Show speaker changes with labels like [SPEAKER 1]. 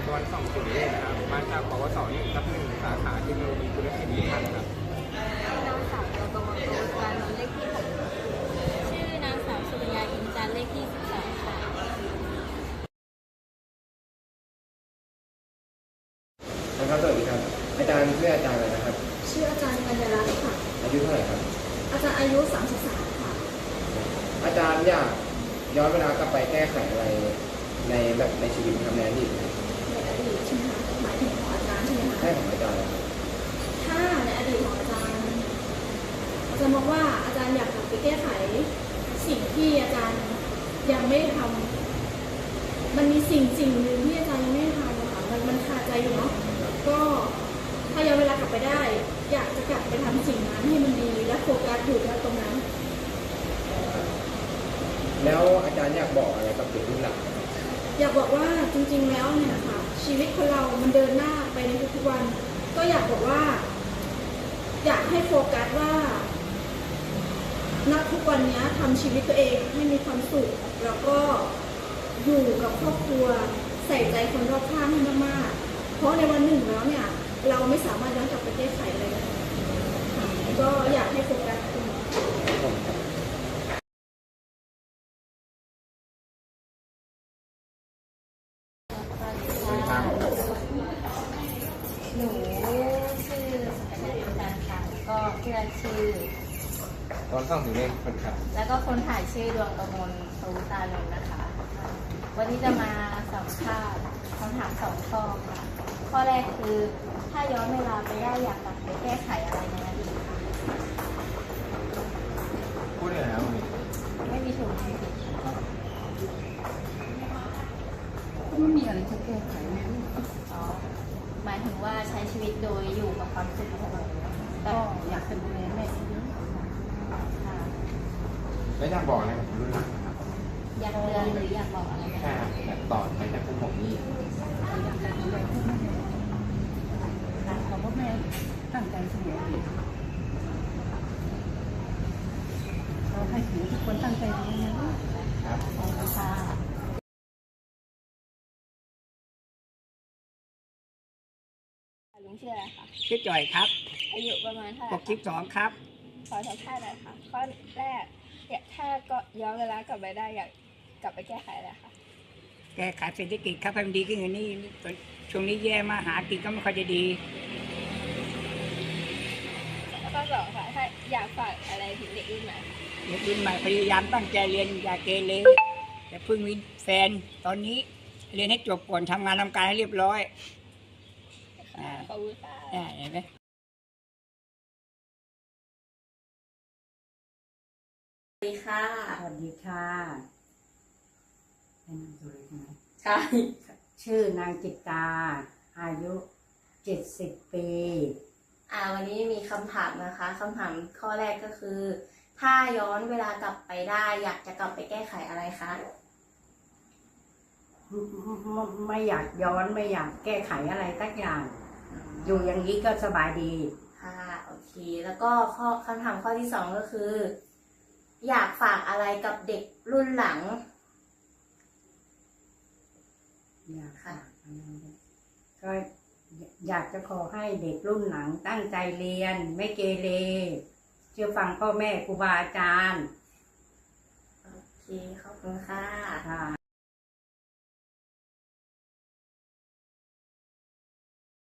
[SPEAKER 1] วัน20นะครับมาจากปวส1/1สาขาเทคโนโลยีธุรกิจวิพัฒน์ครับ
[SPEAKER 2] นางสาวโยกมลโตการนนท์เลขที่6ชื่อนางสาวสุริยาอินจันทร์เลขที่12ค่ะ
[SPEAKER 3] นะครับสวัสดีครับอาจารย์ชื่ออาจารย์อะไรนะครับ
[SPEAKER 4] ชื่ออาจารย์กัญญาลักษณ์ค่ะ
[SPEAKER 3] อายุเท่าไหร่ครับ
[SPEAKER 4] อาจารย์อายุ33ค่ะ
[SPEAKER 3] อาจารย์อยากย้อนเวลากลับไปแก้ไขอะไรในชีวิตทำในอดีต
[SPEAKER 4] ในอดีตใช่ไหมคะหมายถึงของอาจารย์ใช่ไหมคะ
[SPEAKER 3] ใช่ของอาจารย์ครับ
[SPEAKER 4] ถ้าในอดีตของอาจารย์มองว่าอาจารย์อยากกลับไปแก้ไขสิ่งที่อาจารย์ยังไม่ทำมันมีสิ่งหนึ่งที่อาจารย์ยังไม่ทำค่ะมันคาใจอยู่เนาะก็ถ้าย้อนเวลากลับไปได้อยากจะกลับไปทำสิ่งนั้นให้มันดีและโฟกัสอยู่ตรงนั้น
[SPEAKER 3] แล้วอาจารย์อยากบอกอะไรกับเด็กรุ่นหลัง
[SPEAKER 4] อยากบอกว่าจริงๆแล้วเนี่ยค่ะชีวิตคนเรามันเดินหน้าไปในทุกๆวันก็อยากบอกว่าอยากให้โฟกัสว่าณทุกวันนี้ทำชีวิตตัวเองให้มีความสุขแล้วก็อยู่กับครอบครัวใส่ใจคนรอบข้างให้มากๆเพราะในวันหนึ่งแล้วเนี่ยเราไม่สามารถย้อนกลับไปแก้ไขอะไรได้ก็อยากให้โฟกัสตรงนี้
[SPEAKER 2] หนูชื่อสุกัญญาอินจันทร์ค่ะแล้วก็เพื่อนชื่อ
[SPEAKER 1] ตอน20คนครับ
[SPEAKER 2] แล้วก็คนถ่ายชื่อดวงกมลโตตานนท์นะคะวันนี้จะมาสัมภาษณ์คำถาม2 ข้อค่ะข้อแรกคือถ้าย้อนเวลาไปได้อยากกลับไปแก้ไขอะไรในอดีตคะ
[SPEAKER 1] พูดเลยนะ
[SPEAKER 2] ไม่มีถูกไม่ผิด
[SPEAKER 5] ไม่มีอะไรจะแก้ไขนะ
[SPEAKER 2] อ๋อหมายถึงว่าใช้ชีวิตโดยอยู่กับความสุขของเรา
[SPEAKER 5] ก็อยากจะดูแลแม่เยอะ
[SPEAKER 2] ค่ะ
[SPEAKER 1] แล้วอยากบอกอะไรกับรุ่นหลังนะครับ
[SPEAKER 2] อยากเตือนหรืออยากบอกอะไรไหม
[SPEAKER 1] ใช่ครับแบบต่อไปจากพวกผมนี่
[SPEAKER 5] อยากจะดูแลพ่อแม่เพราะแม่ตั้งใจเสมอเราให้ถือทุกคนตั้งใจเรียนนะครับ
[SPEAKER 2] ขอบคุณค่ะลุงชื่ออะไรคะ
[SPEAKER 6] ชื่อจ่อยครับ
[SPEAKER 2] อายุประมาณเท่าไหร่
[SPEAKER 6] 62ครับ
[SPEAKER 2] ขอสัมภาษณ์หน่อยค่ะข้อแรกถ้าก็ย้อนเวลากลับไปได้อยากกลับไปแก้ไขอะไรคะ
[SPEAKER 6] แก้ไขเศรษฐกิจครับให้มันดีขึ้นอย่างนี้ช่วงนี้แย่มาหากินก็ไม่ค่อยจะดี
[SPEAKER 2] ข้อ2ค่ะถ้าอยากฝากอะไรถึงเด็กรุ่นใหม่
[SPEAKER 6] เด็กรุ่นใหม่พยายามตั้งใจเรียนอย่าเกเรอย่าเพิ่งมีแฟนตอนนี้เรียนให้จบก่อนทำงานทำการให้เรียบร้อย
[SPEAKER 2] ขอบคุณค่ะ
[SPEAKER 6] เห็นไหม
[SPEAKER 2] สวัสดีค่ะ
[SPEAKER 5] สวัสดีค่ะเป็นนามสกุลใช่ไหม
[SPEAKER 2] ใช่
[SPEAKER 5] ชื่อนางจิตตาอายุ70 ปี
[SPEAKER 2] วันนี้มีคำถามนะคะคำถามข้อแรกก็คือถ้าย้อนเวลากลับไปได้อยากจะกลับไปแก้ไขอะไรคะ
[SPEAKER 5] ไม่อยากย้อนไม่อยากแก้ไขอะไรสักอย่างอยู่อย่างนี้ก็สบายดี
[SPEAKER 2] ค่ะโอเคแล้วก็คำถามข้อที่2ก็คืออยากฝากอะไรกับเด็กรุ่นหลัง
[SPEAKER 5] อยากค่ะก็อยากจะขอให้เด็กรุ่นหลังตั้งใจเรียนไม่เกเรเชื่อฟังพ่อแม่ครูบาอาจารย์
[SPEAKER 2] โอเคขอบคุณค่ะ